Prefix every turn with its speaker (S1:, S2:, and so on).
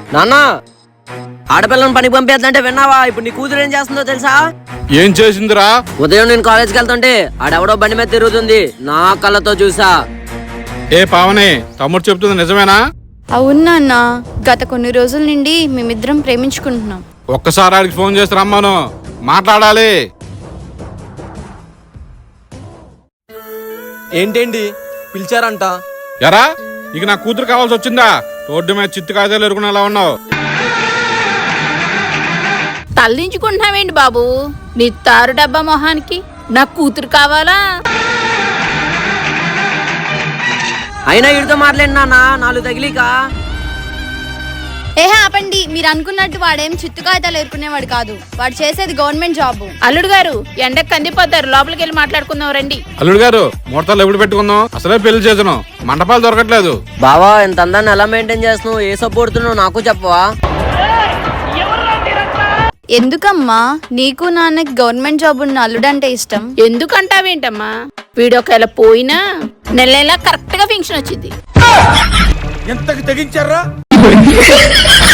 S1: నాన్న ఆడపిల్లని పనికి పంపేద్దంటే విన్నావా? ఇప్పుడు నీ కూతురు ఏం చేస్తుందో తెలుసా?
S2: ఏం చేసిందిరా?
S1: ఉదయం నేను కాలేజ్కి వెళ్తుంటే ఆడెవడో బండి మీద తిరుగుతుంది, నా కళ్ళతో చూసా.
S2: ఏ పావని, తమ్ముడు చెప్తుంది నిజమేనా?
S3: అవును నాన్న, గత కొన్ని రోజుల నుండి మేమిద్దరం ప్రేమించుకుంటున్నాం.
S2: ఒక్కసారి ఆడికి ఫోన్ చేసి రమ్మను, మాట్లాడాలి.
S4: ఏంటేంటి పిలిచారంట?
S2: ఎరా, ఇక నా కూతురు కావాల్సి వచ్చిందా? రోడ్డు మీద చిత్తు కాయలు ఎరుకునేలా ఉన్నావు.
S5: తల్లించుకుంటున్నావేంటి బాబు? నీ తారు డబ్బా మొహానికి నా కూతురు కావాలా?
S1: అయినా వీడితో మాట్లాడి నాన్న, నాలుగు తగిలిక.
S3: ఆపండి, మీరు అనుకున్నట్టు వాడేం చిత్తుకాయతలు ఎరుకునేవాడు కాదు. వాడు చేసేది గవర్నమెంట్ జాబ్.
S5: అల్లుడు గారు ఎండకు కందిపోతారు, లోపలికి వెళ్ళి మాట్లాడుకుందాం రండి.
S2: అల్లుడు గారు, ముహూర్తాలు ఎప్పుడు పెట్టుకుందాం? అసలే పెళ్లి చేసాను, మండపాలు దొరకట్లేదు.
S1: బావా, ఇంత అందాన్ని ఎలా మెయింటైన్ చేస్తున్నావు? ఏ సపోర్తున్నావు నాకు చెప్పవా?
S3: ఎందుకమ్మా నీకు నాన్నకి గవర్నమెంట్ జాబ్ ఉన్న అల్లుడంటే ఇష్టం?
S5: ఎందుకంటావేంటమ్మా? వీడొకవేళ పోయినా నెల నెలా కరెక్ట్ గా ఫంక్షన్ వచ్చింది.
S4: ఎంతకి తెగించారా?